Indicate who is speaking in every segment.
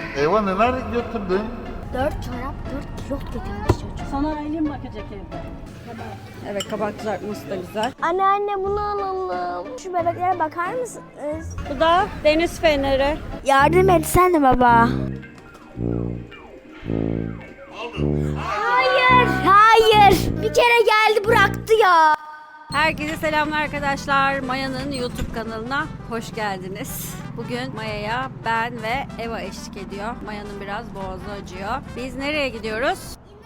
Speaker 1: Eva neler götürdün?
Speaker 2: 4 çorap, 4 kilot getirmiş çocuk.
Speaker 3: Sana Aylin bakacak evde. Evet, kabak kızartması da güzel.
Speaker 2: Anne bunu alalım. Şu bebeklere bakar mısınız?
Speaker 3: Bu da deniz feneri.
Speaker 2: Yardım etsene baba. Hayır. Bir kere geldi bıraktı ya.
Speaker 3: Herkese selamlar arkadaşlar. Maya'nın YouTube kanalına hoş geldiniz. Bugün Maya'ya ben ve Eva eşlik ediyor. Maya'nın biraz boğazı acıyor. Biz nereye gidiyoruz?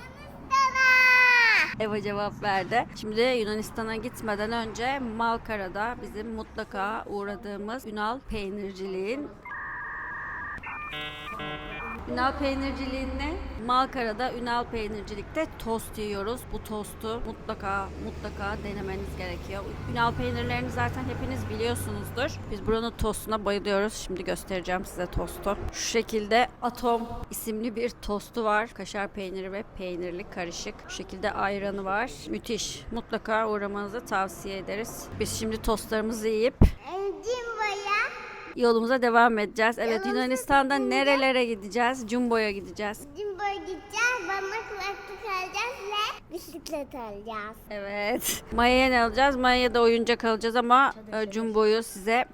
Speaker 3: Eva cevap verdi. Şimdi Yunanistan'a gitmeden önce Malkara'da bizim mutlaka uğradığımız Ünal Peynirciliğin Malkara'da Ünal Peynircilik'te tost yiyoruz. Bu tostu mutlaka denemeniz gerekiyor. Ünal peynirlerini zaten hepiniz biliyorsunuzdur. Biz buranın tostuna bayılıyoruz. Şimdi göstereceğim size tostu. Şu şekilde Atom isimli bir tostu var. Kaşar peyniri ve peynirli karışık. Şu şekilde ayranı var. Müthiş. Mutlaka uğramanızı tavsiye ederiz. Biz şimdi tostlarımızı yiyip yolumuza devam edeceğiz. Evet, Yunanistan'da nerelere gideceğiz? Jumbo'ya gideceğiz.
Speaker 4: Jumbo'ya gideceğiz, bana kulaklık alacağız ve bisiklet alacağız.
Speaker 3: Evet. Maya'ya ne alacağız? Maya'ya da oyuncak alacağız ama Jumbo'yu size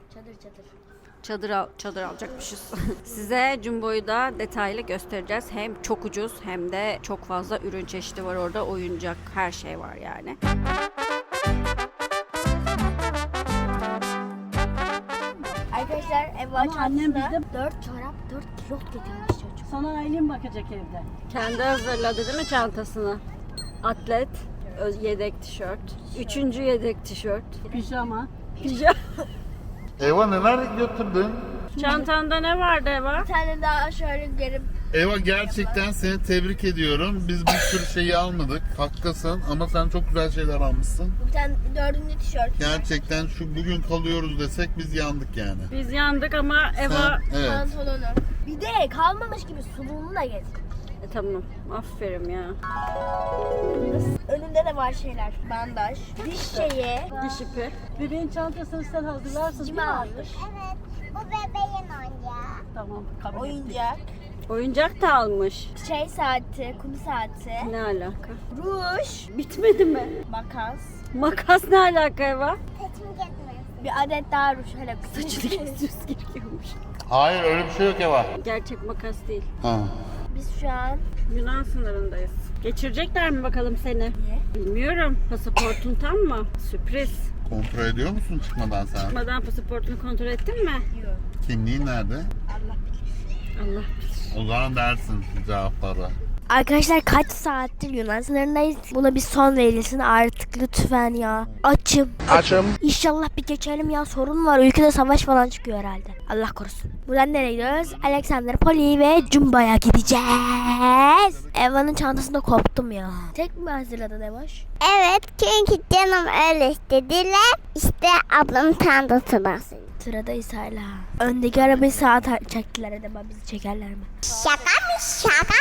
Speaker 3: çadır alacakmışız. Size Jumbo'yu da detaylı göstereceğiz. Hem çok ucuz hem de çok fazla ürün çeşidi var orada. Oyuncak, her şey var yani.
Speaker 2: Arkadaşlar Eva
Speaker 3: Ama annem
Speaker 2: çantasında 4 çorap, 4 kilot getirmiş çocuk.
Speaker 3: Sana Aylin bakacak evde. Kendi hazırladı değil mi çantasını? Atlet, yedek tişört, 3. yedek tişört, pijama.
Speaker 1: Eva neler götürdün?
Speaker 3: Çantanda ne vardı Eva?
Speaker 2: Bir tane daha şöyle gelip
Speaker 1: Eva gerçekten seni tebrik ediyorum. Biz bir sürü şeyi almadık. Haklısın ama sen çok güzel şeyler almışsın.
Speaker 2: bir tane 4. tişört.
Speaker 1: Gerçekten şu bugün kalıyoruz desek biz yandık yani.
Speaker 3: Biz yandık ama Eva...
Speaker 1: Sen, evet.
Speaker 2: Pantolonu. Bir de kalmamış gibi suluğunu da getir.
Speaker 3: Tamam, aferin ya.
Speaker 2: Önünde de var şeyler. Bandaj, diş şeyi,
Speaker 3: Diş ipi.
Speaker 5: Bebeğin çantasını sen hazırlarsın değil mi?
Speaker 2: cima almış,
Speaker 4: Evet, bu bebeğin oyuncağı.
Speaker 5: Tamam, kabul ettik.
Speaker 2: oyuncak,
Speaker 3: Oyuncak da almış.
Speaker 2: şey saati, kum saati,
Speaker 3: Ne alaka?
Speaker 2: ruj,
Speaker 3: Bitmedi mi?
Speaker 2: makas,
Speaker 3: Makas ne alaka Eva?
Speaker 4: Saçımı kesmez.
Speaker 2: bir adet daha ruj. Hele
Speaker 3: Saçını kesiyoruz gerekiyormuş.
Speaker 1: Hayır öyle bir şey yok Eva.
Speaker 3: Gerçek makas değil.
Speaker 1: Ha.
Speaker 2: Biz şu an
Speaker 3: Yunan sınırındayız. Geçirecekler mi bakalım seni?
Speaker 2: Niye?
Speaker 3: Bilmiyorum. Pasaportun tam mı? Sürpriz.
Speaker 1: Kontrol ediyor musun çıkmadan sen?
Speaker 3: Çıkmadan pasaportunu kontrol ettin mi?
Speaker 2: yok.
Speaker 1: Kimliğin nerede?
Speaker 2: Allah bilir.
Speaker 3: Allah bilir.
Speaker 1: O zaman dersin cevapları.
Speaker 2: Arkadaşlar kaç saattir Yunan sınırındayız. Buna bir son verilsin artık lütfen ya. Açım. İnşallah bir geçelim ya, sorun var. Ülkede savaş falan çıkıyor herhalde. Allah korusun. Buradan nereye gidiyoruz? Alexandropoli ve Jumbo'ya gideceğiz. Eva'nın çantasında koptum ya. Tek mi hazırladın Evaş?
Speaker 4: Evet, çünkü canım öyle istediler. İşte ablamın çantası basın.
Speaker 2: Sıradayız hala. Öndeki arabayı sağa çektiler, acaba bizi çekerler mi?
Speaker 4: Şaka.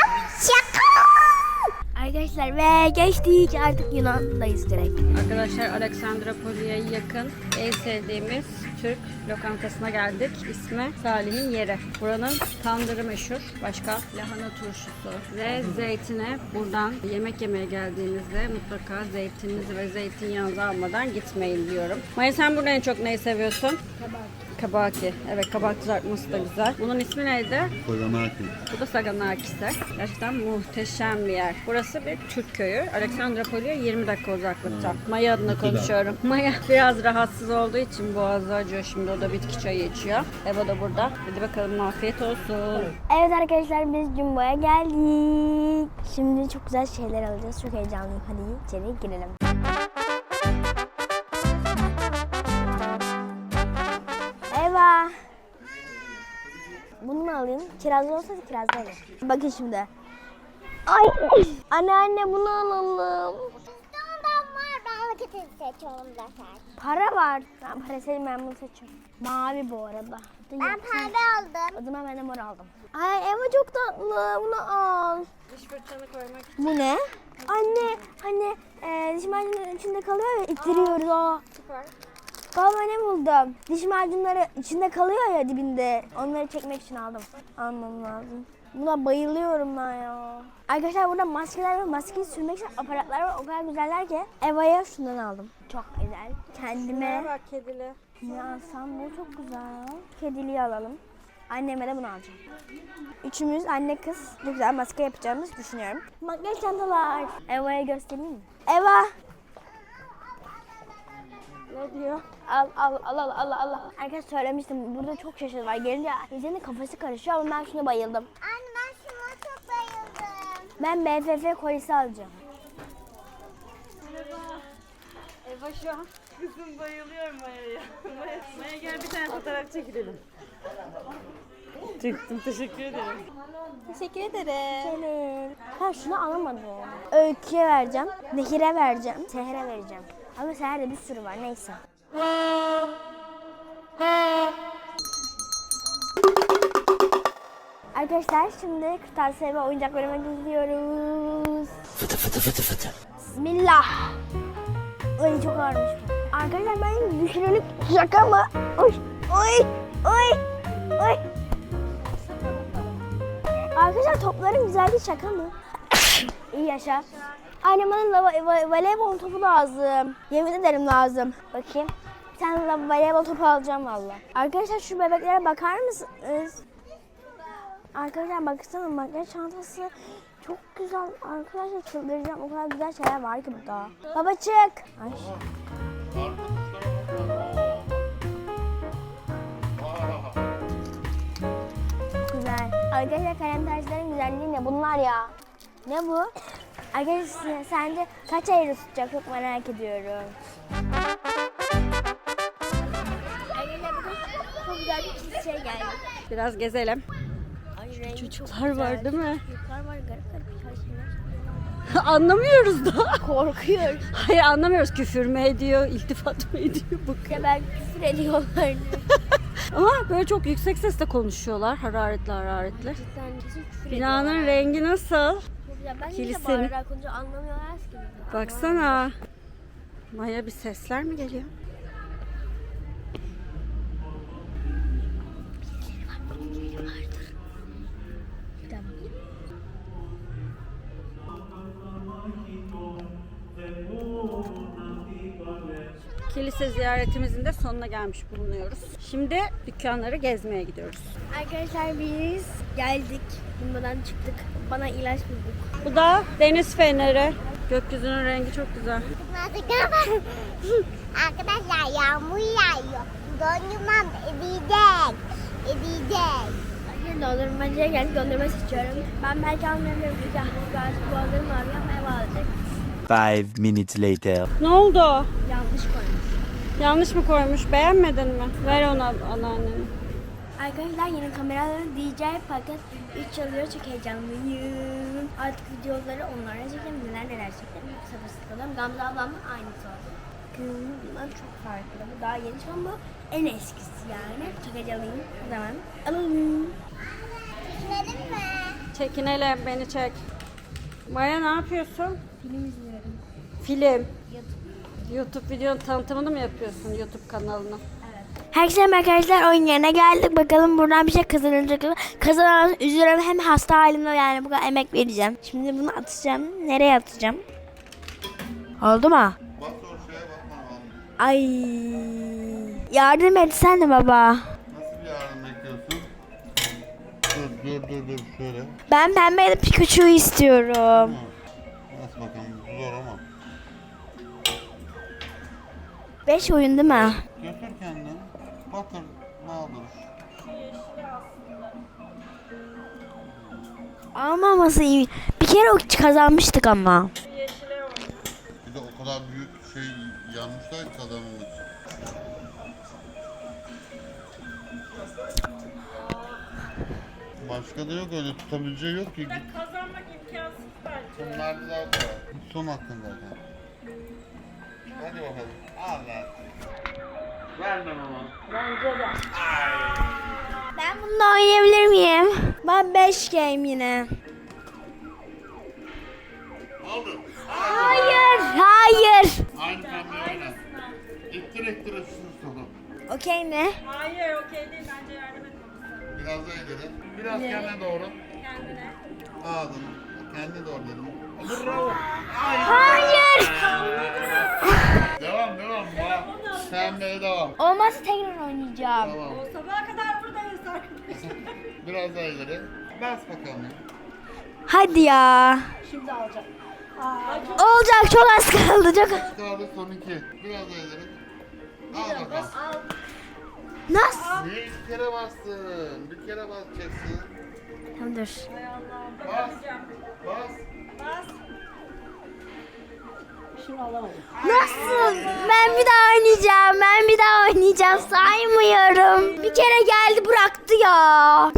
Speaker 2: Arkadaşlar ve geçtik, artık Yunan'dayız direkt.
Speaker 3: Arkadaşlar, Alexandropoli'ye yakın en sevdiğimiz Türk lokantasına geldik. İsmi Salih'in Yeri. Buranın tandırı meşhur. Başka lahana turşusu ve zeytine. Buradan yemek yemeye geldiğinizde mutlaka zeytininizi ve zeytinyağınızı almadan gitmeyin diyorum. Maya, sen burada en çok neyi seviyorsun? Kabaki. Evet, kabak kızartması da güzel. Bunun ismi neydi?
Speaker 1: Koyamaki.
Speaker 3: Bu da Saganakis'te. Gerçekten muhteşem bir yer. Burası bir Türk köyü. Alexandropoli'ye 20 dakika uzaklıkta. Maya adına konuşuyorum. Maya biraz rahatsız olduğu için boğazı acıyor. Şimdi o da bitki çayı içiyor. Eva da burada. Hadi bakalım, afiyet olsun.
Speaker 2: Evet arkadaşlar, biz Jumbo'ya geldik. Şimdi çok güzel şeyler alacağız. Çok heyecanlıyım. Hadi içeri girelim. Eva. Bunu mu alayım? Kirazlı olsaydı kirazlı olur. Bakın şimdi. Ay. Anne bunu alalım.
Speaker 4: Ondan var, ben vakitini seçiyorum zaten.
Speaker 2: Para var. Ben para sevdim, ben bunu seçiyorum. Mavi bu arada.
Speaker 4: Ben pembe aldım.
Speaker 2: O zaman ben de mor aldım. Ay Eva çok tatlı. Bunu al.
Speaker 3: Diş fırçanı koymak için.
Speaker 2: Bu ne? Anne diş macunları içinde kalıyor ya, ittiriyoruz o.
Speaker 3: Süper.
Speaker 2: Baba ne buldum? Diş macunları içinde kalıyor ya dibinde. Onları çekmek için aldım. Almam lazım. Buna bayılıyorum ben ya. Arkadaşlar burada maskeler ve maskeyi sürmek için aparatlar var. O kadar güzeller ki. Eva'ya şundan aldım. Çok güzel. Kendime
Speaker 3: Bak kedili.
Speaker 2: ne alsam, bu çok güzel. Kediliği alalım. Anneme de bunu alacağım. Üçümüz anne kız bu güzel maske yapacağımızı düşünüyorum. Makyaj çantalar. Eva'ya göstereyim mi? Eva. Ne diyor? Al. Arkadaşlar söylemiştim burada çok çeşit var. Gelince insanın kafası karışıyor ama ben şuna bayıldım.
Speaker 4: Anne ben şuna çok bayıldım.
Speaker 2: Ben BFF kolisi alacağım.
Speaker 3: Eva şu an.
Speaker 5: Kızım bayılıyorum Maya'ya. Maya gel bir tane fotoğraf çekilelim. Çıktım, teşekkür ederim.
Speaker 2: Teşekkür ederim. Ha şunu alamadım. Öykü'ye vereceğim. Nehir'e vereceğim. Seher'e vereceğim. Ama Seher'de bir sürü var neyse. Arkadaşlar şimdi kırtasiye ve oyuncak bölümüne gidiyoruz. Bismillah. Ay çok ağırmış bu. Arkadaşlar ben düşünülük şaka mı? Oy. Arkadaşlar topların güzelliği şaka mı? İyi yaşa. Annem bana voleybol topu lazım. Yemin ederim lazım. Bakayım. Bir tane voleybol topu alacağım valla. Arkadaşlar şu bebeklere bakar mısınız? Arkadaşlar baksana makyaj çantası çok güzel. Arkadaşlar çıldıracağım. O kadar güzel şeyler var ki burada. Baba çık. Ay. Güzel. Arkadaşlar kalem taşların güzelliği ne? Bunlar ya. Ne bu? Arkadaşlar sence kaç euro tutacak? Çok merak ediyorum. Arkadaşlar bugün çok güzel bir şey geldi.
Speaker 3: Biraz gezelim.
Speaker 2: Ay, rengi
Speaker 3: Çocuklar
Speaker 2: çok güzel.
Speaker 3: var değil mi?
Speaker 2: Çocuklar var garip birkaç şeyler.
Speaker 3: Anlamıyoruz da.
Speaker 2: Korkuyoruz.
Speaker 3: Hayır anlamıyoruz. Küfür mü ediyor, iltifat mı ediyor?
Speaker 2: Ya ben küfür ediyorlar.
Speaker 3: Ama böyle çok yüksek sesle konuşuyorlar. Hararetli.
Speaker 2: Cidden kesin küfür
Speaker 3: Binanın rengi nasıl?
Speaker 2: Ya ben
Speaker 3: kilisenin-
Speaker 2: de bağırarak konuşunca anlamıyorlar ki.
Speaker 3: Baksana. Maya bir sesler mi geliyor? Kilise ziyaretimizin de sonuna gelmiş bulunuyoruz. Şimdi dükkanları gezmeye gidiyoruz.
Speaker 2: Arkadaşlar biz geldik. Bundan çıktık. Bana ilaç bulduk.
Speaker 3: Bu da deniz feneri. Gökyüzünün rengi çok güzel.
Speaker 4: Arkadaşlar yağmur yağıyor. Dondurmam eriyecek.
Speaker 2: Arkadaşlar dondurmacıya geldik. Dondurma seçiyorum. Ben belki almayabilirim. Çünkü artık dondurma arıyor ama eve alacak.
Speaker 6: 5 minutes later.
Speaker 3: Ne oldu?
Speaker 2: Yanlış koymuş.
Speaker 3: Yanlış mı koymuş? Beğenmedin mi? Ver ona anneannene.
Speaker 2: Arkadaşlar yeni kameraların DJ paket 3 alıyor. Çok heyecanlıyım. Artık videoları onlara çekeceğim. Neler çekeceğim. Çok sabırsızlanıyorum. Gamze ablamla aynısı oldu. Bundan çok farklı. Bu daha yeni. Şu an bu en eskisi yani. Çok heyecanlıyım. O zaman alalım.
Speaker 4: Gidelim mi?
Speaker 3: Çekinelim, beni çek. Maya ne yapıyorsun?
Speaker 2: Film izliyorum.
Speaker 3: Film. YouTube videonun tanıtımını mı yapıyorsun YouTube kanalına?
Speaker 2: Herkese merhaba arkadaşlar, oyun yerine geldik. Bakalım buradan bir şey kazanılacak mı? Kazanamaz üzülüyorum, hem hasta halimde yani bu kadar emek vereceğim. Şimdi bunu atacağım. Nereye atacağım? Oldu mu?
Speaker 1: Bak o şeye bakma.
Speaker 2: Ay. Yardım etsene baba.
Speaker 1: Nasıl bir yardım bekliyorsun? Dur şöyle.
Speaker 2: Ben pembe Pikachu'yu istiyorum.
Speaker 1: Nasıl bakalım zor ama.
Speaker 2: 5 oyun değil mi?
Speaker 1: Götür kendini. Batır ne olur.
Speaker 2: Almaması iyi. Bir kere o kazanmıştık ama.
Speaker 1: Bir de o kadar büyük şey yanmışlar ki kazanılmış. Başka da yok öyle tutabileceği yok ki.
Speaker 5: Kazanmak imkansız bence.
Speaker 1: Bunlar da zaten. Son hakkın zaten. Hadi bakalım. Al lan. Vermem ama.
Speaker 2: Ben bununla oynayabilir miyim? Ben 5 game yine.
Speaker 1: Aldım.
Speaker 2: Hayır.
Speaker 1: Aynı pembe oyna. İttir şunu sonu.
Speaker 2: Okey ne?
Speaker 5: Hayır okey değil bence yardım etmemiz lazım.
Speaker 1: Biraz da ileri. Biraz kendine doğru.
Speaker 3: kendine.
Speaker 1: Aldın. Kendi doğradın. Bravo.
Speaker 2: Hayır.
Speaker 1: Devam. Pembeye devam.
Speaker 2: Olmazsa tekrar oynayacağım.
Speaker 1: Tamam.
Speaker 3: Sabaha kadar buradayız arkadaşlar.
Speaker 1: Biraz daha ileri. Bas bakalım.
Speaker 2: Hadi ya.
Speaker 5: Şimdi alacağım.
Speaker 2: Olacak, çok az kaldı. Çok az.
Speaker 1: Kaldı son 2. Biraz daha ileri. Al bakalım.
Speaker 2: Nasıl?
Speaker 1: Niye bir kere bastın? Bir kere basacaksın.
Speaker 2: Tamam dur.
Speaker 1: Bas. Bas.
Speaker 5: Şimdi alamadım.
Speaker 2: Nasıl? Ben bir daha oynayacağım. Saymıyorum. Bir kere geldi bıraktı ya.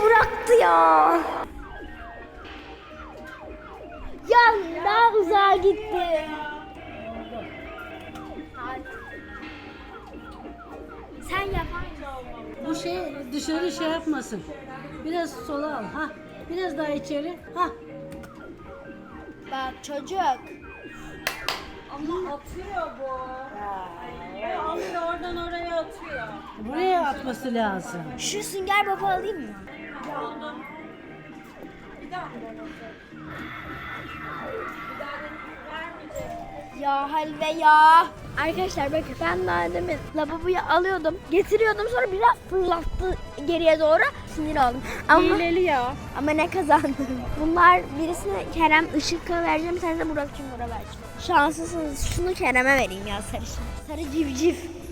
Speaker 2: Ya daha uzağa gitti. Sen yapar mısın?
Speaker 7: Bu şey dışarı şey yapmasın. Biraz sola al. Ha. Biraz daha içeri. Ha.
Speaker 2: Bak çocuk.
Speaker 3: Ama atıyor bu. Alıyor oradan oraya atıyor.
Speaker 7: Buraya atması lazım.
Speaker 2: Şu sünger baba alayım mı?
Speaker 3: Aldım. Bir daha mı deneyecek? Bir daha vermeyecek.
Speaker 2: Ya Halve ya. Arkadaşlar bakın ben daha demin lavaboyu alıyordum. Getiriyordum sonra biraz fırlattı geriye doğru. Sinir oldum. Ama,
Speaker 5: Hileli ya.
Speaker 2: ama ne kazandım. Bunlar birisine Kerem Işık'a vereceğim. Bir tane de Burak Cumhur'a vereceğim. Şanslısınız. Şunu Kerem'e vereyim ya sarışın. Sarı civciv.